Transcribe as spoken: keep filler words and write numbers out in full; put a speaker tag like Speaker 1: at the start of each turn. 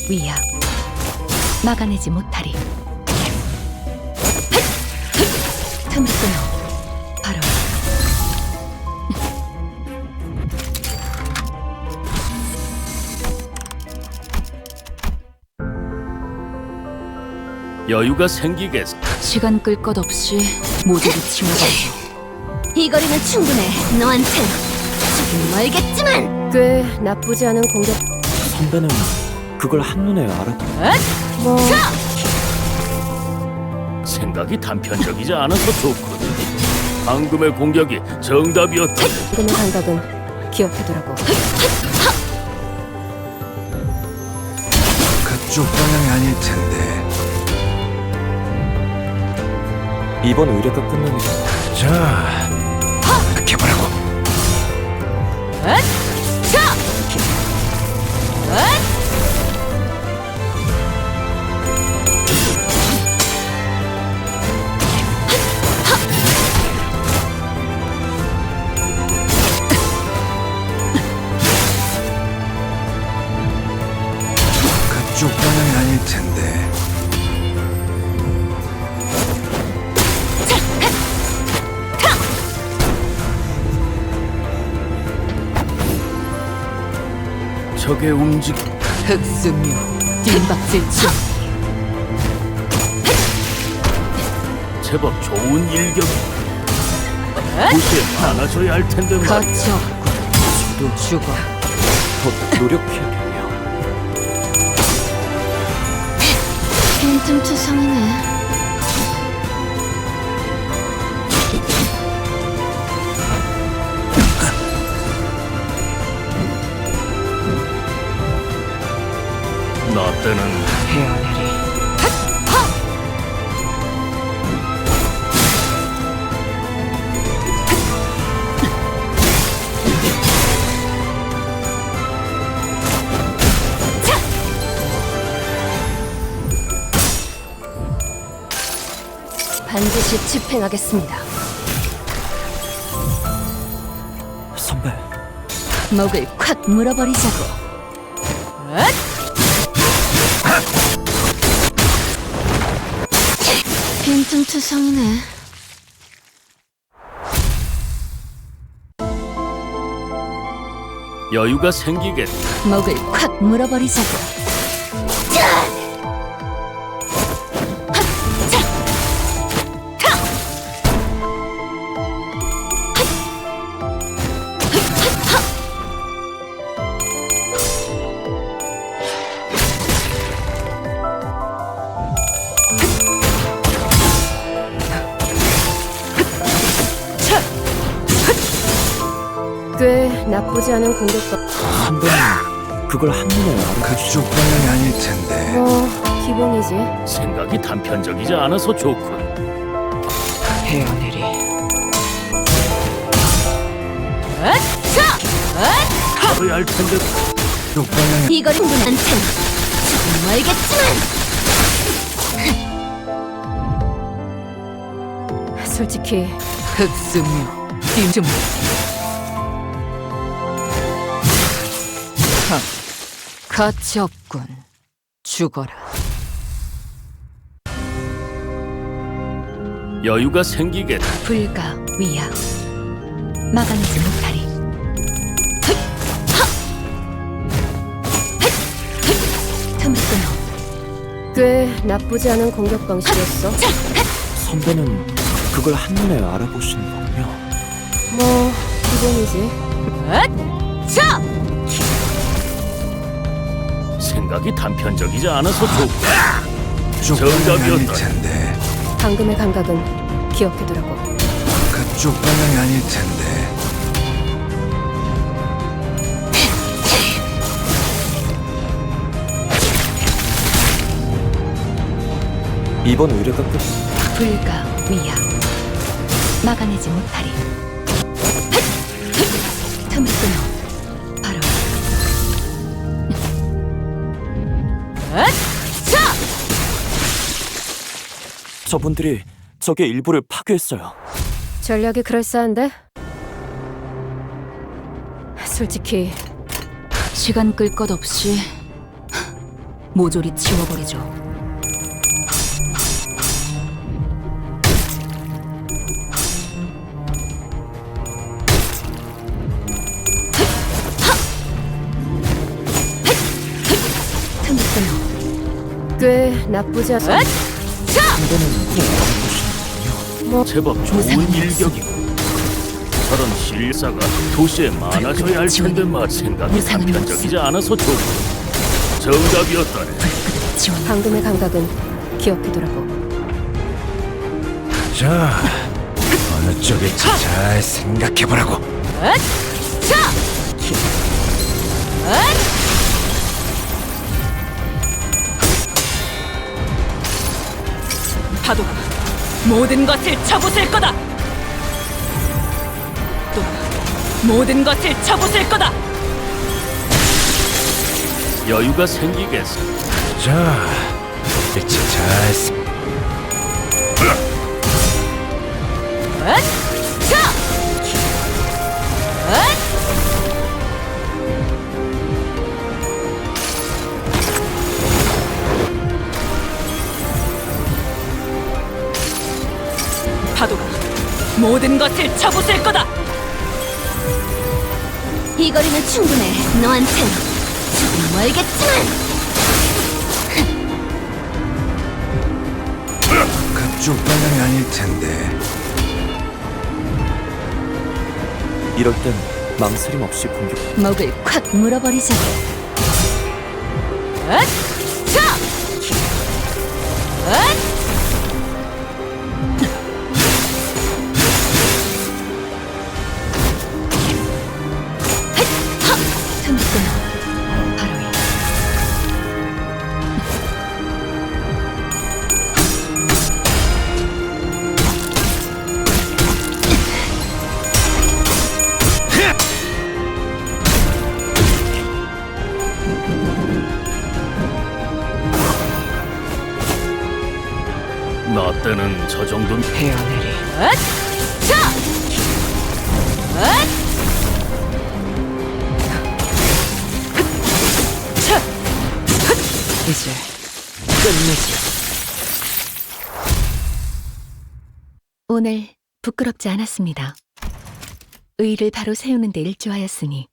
Speaker 1: 위야 막아내지 못하리. 틈을 끊어 바로
Speaker 2: 여유가 생기겠어.
Speaker 1: 시간 끌 것 없이 모두를 치워버려.
Speaker 3: 이 거리는 충분해. 너한텐 조금 멀겠지만.
Speaker 4: 꽤 나쁘지 않은 공격.
Speaker 5: 선배는 그걸 한눈에 알아.
Speaker 4: 뭐
Speaker 2: 생각이 단편적이지 않아서 좋거든. 방금의 공격이 정답이었다.
Speaker 4: 지금의 감각은 기억해두라고.
Speaker 6: 그쪽 방향이 아닐 텐데.
Speaker 5: 이번 의뢰가 끝나면
Speaker 6: 자, 이렇게 보라고. 그쪽 방향이 아닐 텐데.
Speaker 2: 적의 움직임.
Speaker 1: 흑수묘 뒷박질치.
Speaker 2: 제법 좋은 일격. 무시에 많아져야 할 텐데 말이야.
Speaker 1: 거쳐 또 죽어.
Speaker 5: 더 노력해야겠네요.
Speaker 3: 빈틈투성이네.
Speaker 2: 나 때는
Speaker 1: 헤어내리.
Speaker 4: 반드시 집행하겠습니다.
Speaker 5: 선배,
Speaker 1: 목을 콱 물어버리자고.
Speaker 3: 빈틈투성이네.
Speaker 2: 여유가 생기겠다.
Speaker 1: 목을 콱 물어버리자고.
Speaker 4: 꽤 나쁘지 않은 공격법.
Speaker 5: 선배는 그걸 한눈에 알아.
Speaker 6: 그쪽 방향이 아닐 텐데.
Speaker 4: 뭐 기본이지.
Speaker 2: 생각이 단편적이지 않아서 좋군.
Speaker 1: 헤어내리.
Speaker 2: 잡아야 할 텐데.
Speaker 6: 그쪽 방향이
Speaker 3: 이 거리 충분한텐 조금 멀겠지만.
Speaker 4: 솔직히
Speaker 1: 흑수묘 뒷좀. 가치 없군. 죽어라.
Speaker 2: 여유가 생기겠다.
Speaker 1: 불가 위야 막아내지 못하리. 틈을 끊어
Speaker 4: 꽤 나쁘지 않은 공격 방식이었어.
Speaker 5: 선배는 그걸 한눈에 알아보시는군요.
Speaker 4: 뭐 기본이지.
Speaker 2: 생각이 단편적이지 않아서 좋군.
Speaker 6: 그쪽 방향이 아닐
Speaker 2: 정답이었다.
Speaker 6: 텐데.
Speaker 4: 방금의 감각은 기억해두라고.
Speaker 6: 그쪽 방향이 아닐 텐데.
Speaker 5: 이번 의뢰가 끝.
Speaker 1: 불가 위야 막아내지 못하리. 틈을 끊어 바로
Speaker 5: 저분들이 적의 일부를 파괴했어요.
Speaker 4: 전략이 그럴싸한데? 솔직히
Speaker 1: 시간 끌 것 없이 모조리 치워버리죠.
Speaker 4: 틈새요. 꽤 나쁘지 않아.
Speaker 5: 선배는 그걸 알아보시는군요.
Speaker 4: 뭐
Speaker 2: 제법 좋은 일격이고. 저런 실사가 도시에 많아져야 할 텐데 말 생각이
Speaker 1: 무상은
Speaker 2: 단편적이지 않아서 좋고. 정답이었다네.
Speaker 1: 지원.
Speaker 4: 방금의 감각은 기억해두라고.
Speaker 6: 자, 어느 쪽일지 잘 생각해보라고.
Speaker 1: 파도가 모든 것을 쳐부술 거다. 또 모든 것을 쳐부술 거다.
Speaker 2: 여유가 생기겠어.
Speaker 6: 자, 일치 잘 생...
Speaker 1: 파도가 모든 것을 쳐부술 거다.
Speaker 3: 이 거리는 충분해. 너한텐 조금 멀겠지만.
Speaker 6: 그쪽 방향이 아닐 텐데.
Speaker 5: 이럴 땐 망설임 없이 공격.
Speaker 3: 목을 콱 물어버리자. 틈새요. 바로 이.
Speaker 2: 나 때는 저 정도는
Speaker 1: 헤어내리. 이제 끝내지.
Speaker 3: 오늘 부끄럽지 않았습니다. 의를 바로 세우는 데 일조하였으니